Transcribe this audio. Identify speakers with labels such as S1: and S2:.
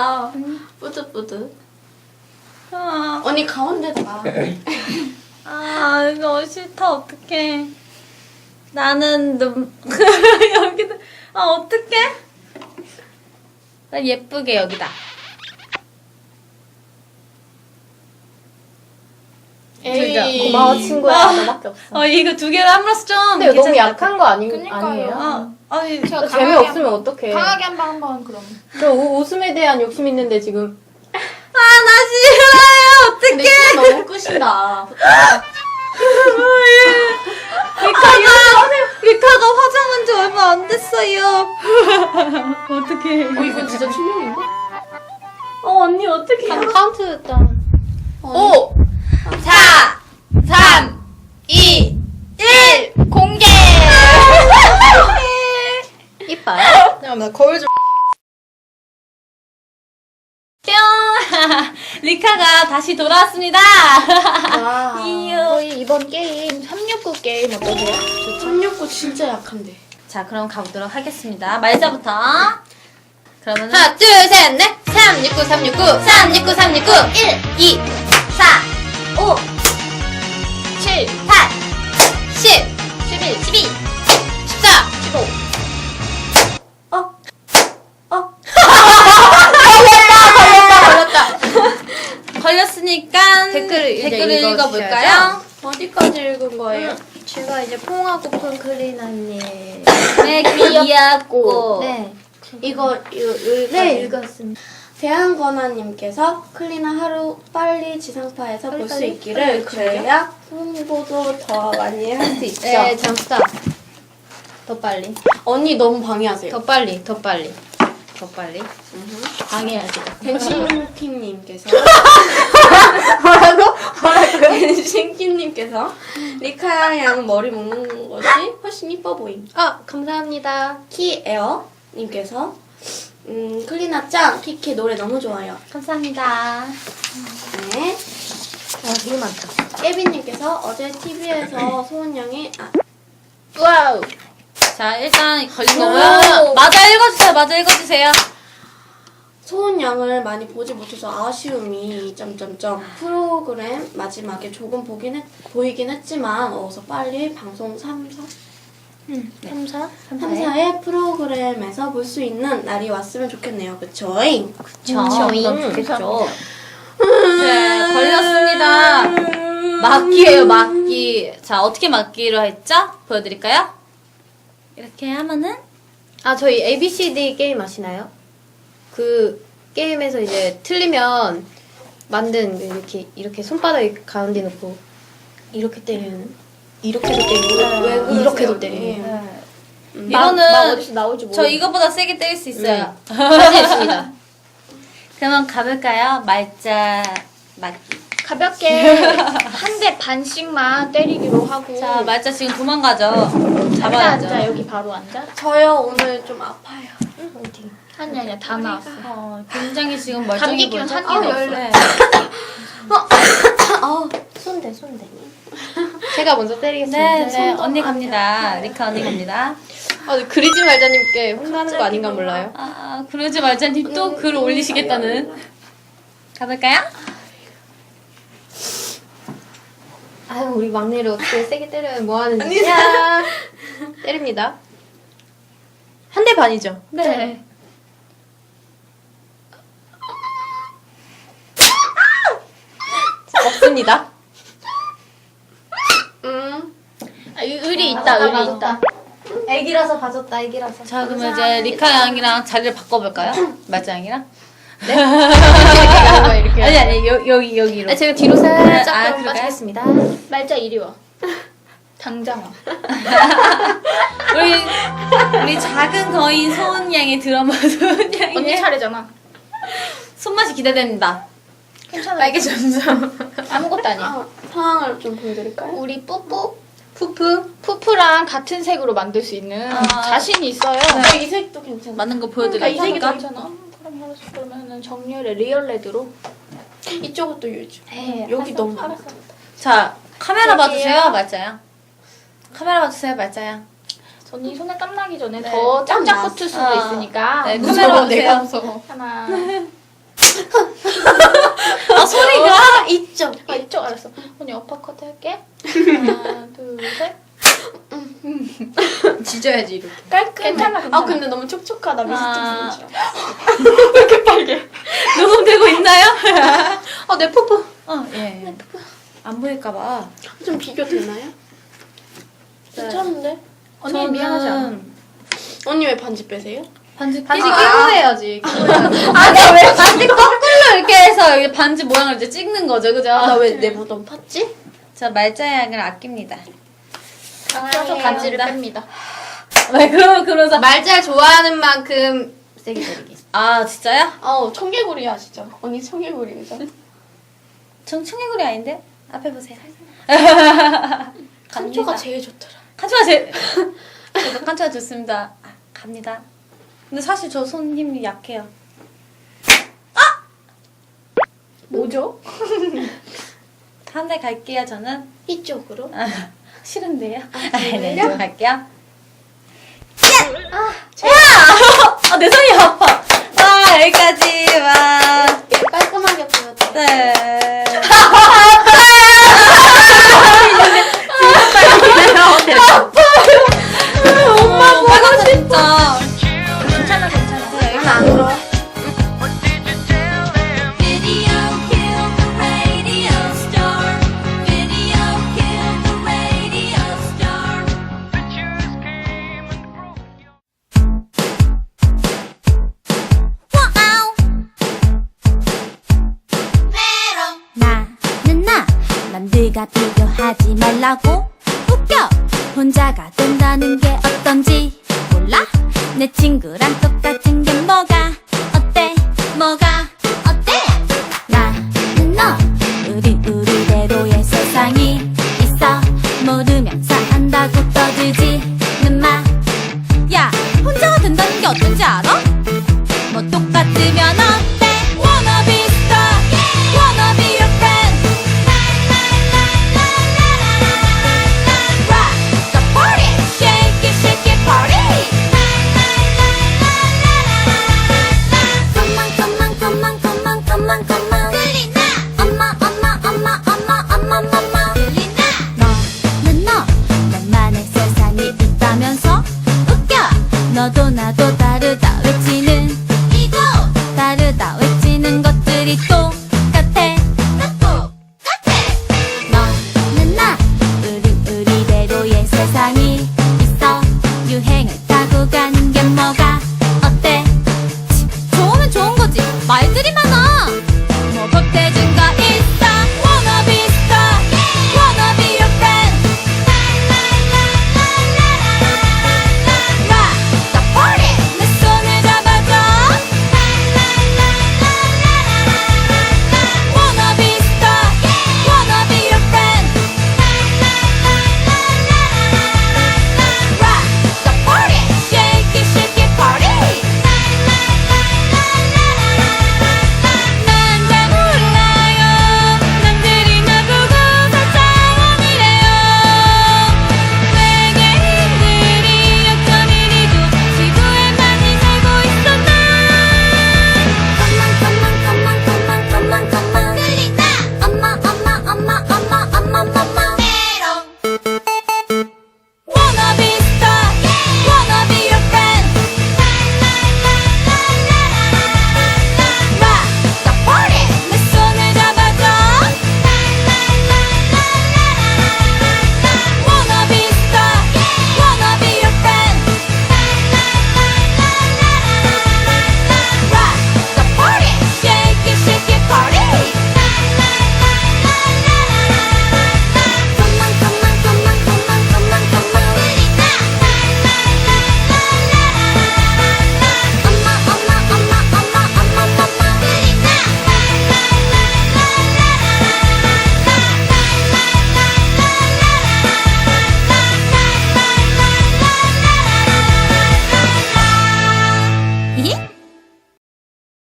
S1: 예쁘다. 뿌듯뿌듯. 언니 가운데다가.
S2: 이거 싫다. 어떡해. 나는 여기다. 어떡해. 나 예쁘게 여기다.
S1: 에이.
S3: 고마워 친구야. 너밖에 없어.
S2: 이거 2개를 함으로써 좀.
S3: 근데 이거 너무
S2: 괜찮을 것
S3: 약한 거
S1: 그니까요.
S3: 아니에요?
S2: 아니,
S1: 제가
S3: 재미없으면 어떡해.
S1: 강하게 한번 그럼.
S3: 저 웃음에 대한 욕심 있는데 지금.
S2: 나 싫어요.
S1: 근데
S2: 어떡해.
S1: 진짜 너무 끝이다.
S2: 리카가 화장한 지 얼마 안 됐어요. 어떡해.
S1: 이건 진짜 충격인데?
S3: 언니 어떡해. 카운트 짠.
S1: 5, 4, 3, 2, 1 공개!
S3: 이뻐요?
S1: 잠깐만 거울 좀.
S2: 뿅! 리카가 다시 돌아왔습니다.
S3: 와. 저희 이번 게임 369 게임 어떠세요?
S1: 369 진짜 약한데.
S2: 자, 그럼 가보도록 하겠습니다. 말자부터. 그러면은
S1: 하나, 둘, 셋, 넷. 369, 369, 369, 369, 1, 2, 4, 5, 7, 8, 10, 11, 12, 14, 15.
S2: 걸렸으니까
S3: 댓글을 이제
S2: 읽어볼까요?
S1: 어디까지 읽은 거예요?
S3: 제가 이제 퐁하고픈 클린 언니.
S2: 네, 귀엽고.
S3: 네.
S1: 이거
S3: 네, 읽었습니다.
S1: 대한권화님께서 클리나 하루 빨리 지상파에서 볼 수
S3: 빨리,
S1: 있기를
S3: 빨리
S1: 그래야 홍보도 더 많이 할 수 있죠.
S3: 네, 잠깐. 더 빨리.
S1: 언니 너무 방해하세요.
S3: 더 빨리. 더 빨리. 방해하지.
S1: 댄싱킹님께서
S3: 뭐라고?
S1: 댄싱킹님께서 리카 양 머리 묶는 것이 훨씬 이뻐 보임.
S3: 감사합니다.
S1: 키에어님께서 클리나 짱 키키 노래 너무 좋아요.
S2: 감사합니다.
S1: 네.
S3: 되게 많다.
S1: 깨비님께서 어제 TV에서 소은 양이
S3: 와우.
S2: 자, 일단 걸린 거고요. 맞아 읽어주세요.
S1: 소은 양을 많이 보지 못해서 아쉬움이 점점점 프로그램 마지막에 조금 보이긴 했지만 어서 빨리 방송 3사의 프로그램에서 볼 수 있는 날이 왔으면 좋겠네요. 그쵸?잉?
S2: 그럼 좋겠죠. 네, 걸렸습니다. 막기예요, 막기. 자, 어떻게 막기로 했죠? 보여드릴까요? 이렇게 하면은
S3: 저희 ABCD 게임 아시나요? 그 게임에서 이제 틀리면 만든 이렇게 손바닥 가운데 놓고 이렇게 때리는 이렇게도 때리고
S1: 왜 그러세요?
S3: 이렇게도 때리고
S2: 이거는
S3: 어디서 나올지
S2: 저 이거보다 세게 때릴 수 있어요.
S3: 자신 있습니다.
S2: 그러면 가볼까요? 말자 막기.
S4: 가볍게 한 대 반씩만 때리기로 하고.
S2: 자, 말자 지금 도망가죠.
S4: 앉아,
S2: 잡아야죠.
S4: 여기 바로 앉아.
S1: 저요 오늘 좀 아파요.
S4: 아니야 다 나왔어.
S2: 굉장히 지금 멀쩡해
S4: 감기 기운
S2: 보이죠?
S4: 한 개도 없어.
S2: 네.
S3: 손대. 제가 먼저 때리겠습니다.
S2: 네, 언니 갑니다. 리카 언니 갑니다.
S3: 그리지 말자님께 혼나는 거 아닌가 몰라요.
S2: 그러지 말자님 또 글 올리시겠다는. 가볼까요?
S3: 우리 막내를 어떻게 세게 때려요? 뭐 하는 짓이야? 때립니다. 한 대 반이죠?
S4: 네.
S3: 없습니다.
S4: 의리 있다 의리 있다.
S3: 애기라서 봐줬다, 애기라서.
S2: 자, 그러면 이제 리카 양이랑 자리를 바꿔볼까요? 말자 양이랑?
S3: 이렇게.
S2: 아니, 여기로.
S3: 제가 뒤로 살짝
S2: 그럴까요?
S3: 빠지겠습니다.
S4: 말자 이리 와. 당장 와.
S2: 우리 작은 거인 소은 양의 드라마 소은
S4: 언니
S2: 양의
S4: 차례잖아.
S2: 손맛이 기대됩니다.
S4: 괜찮아.
S3: 빨개졌어.
S4: 아무것도 아니야.
S1: 상황을 좀 보여드릴까요?
S4: 우리 푸푸랑 같은 색으로 만들 수 있는 자신이 있어요.
S1: 이 색도 괜찮아.
S2: 맞는 거
S4: 그러니까 이 색이 더
S2: 보여드릴까?
S4: 괜찮아. 그러면은 정렬의 리얼 레드로.
S1: 이쪽도 유지.
S4: 네,
S1: 여기 너무
S4: 알았어.
S2: 자, 카메라
S4: 여기요.
S2: 봐주세요, 말자야. 카메라 봐주세요, 말자야.
S4: 언니 손에 땀 나기 전에
S2: 네.
S4: 더 짝짝
S1: 땀
S4: 붙을 수도
S2: 났어.
S4: 있으니까.
S2: 네, 카메라 봐주세요.
S4: 하나,
S3: 아 소리가
S1: 이쪽.
S4: 아 이쪽 알았어. 언니 어퍼컷 할게. 하나 둘 셋.
S1: 지져야지 이렇게.
S4: 깔끔해. 괜찮아.
S1: 아 근데 너무 촉촉하다.
S3: 아.
S1: 미스팅
S4: 이렇게 빨개.
S3: 녹음되고 있나요?
S1: 내 뽀뽀.
S3: 예. 안 보일까봐.
S1: 좀 비교 되나요? 괜찮은데?
S4: 언니 미안하지 않아?
S1: 언니 왜 반지 빼세요?
S3: 반지
S1: 반지
S3: 끼고
S1: 끼고
S3: 해야지.
S2: 아니 왜 반지 거꾸로 이렇게 해서 여기 반지 모양을 이제 찍는 거죠, 그죠?
S1: 나 왜 내 무덤 팠지?
S2: 저 말자양을 아낍니다.
S4: 껴서 반지를 뺍니다.
S2: 왜 그러면서
S1: 말잘 좋아하는 만큼 세게 때리기.
S2: 아 진짜요?
S1: 아우 청개구리야 진짜. 언니 청개구리 그죠?
S2: 전 청개구리 아닌데? 앞에 보세요.
S1: 칸초가 제일 좋더라.
S2: 칸초가 제일 저도 칸초가 좋습니다. 갑니다. 근데 사실 저 손 힘이 약해요.
S1: 뭐죠?
S2: 한 대 갈게요 저는.
S1: 이쪽으로.
S2: 싫은데요?
S1: 정말요?
S2: 네, 저 갈게요. 내 손이 아파. 와 여기까지 와.
S1: 깔끔하게 보여줘.
S2: 네. 엄마 보고 싶어.
S3: 괜찮아 괜찮아.
S2: 네, 여기
S1: 안 울어.
S5: Video killed the radio star. Video killed the radio star. 나는 나 남들과 비교하지 말라고 웃겨 혼자가 된다는 게 어떤지 몰라 내 친구랑 똑같은 게 뭐가 어때 뭐가 어때 나는 너 우리대로의 세상이 있어 모르면서 안다고 떠들지는 마야 혼자가 된다는 게 어떤지 알아? 뭐 똑같으면 어때 Wanna be star Wanna be your friend Rock the party Shake it party Come on come on come on come on come on come on 들리나 엄마 들리나 너는 너 너만의 세상이 있다면서 웃겨 너도 나도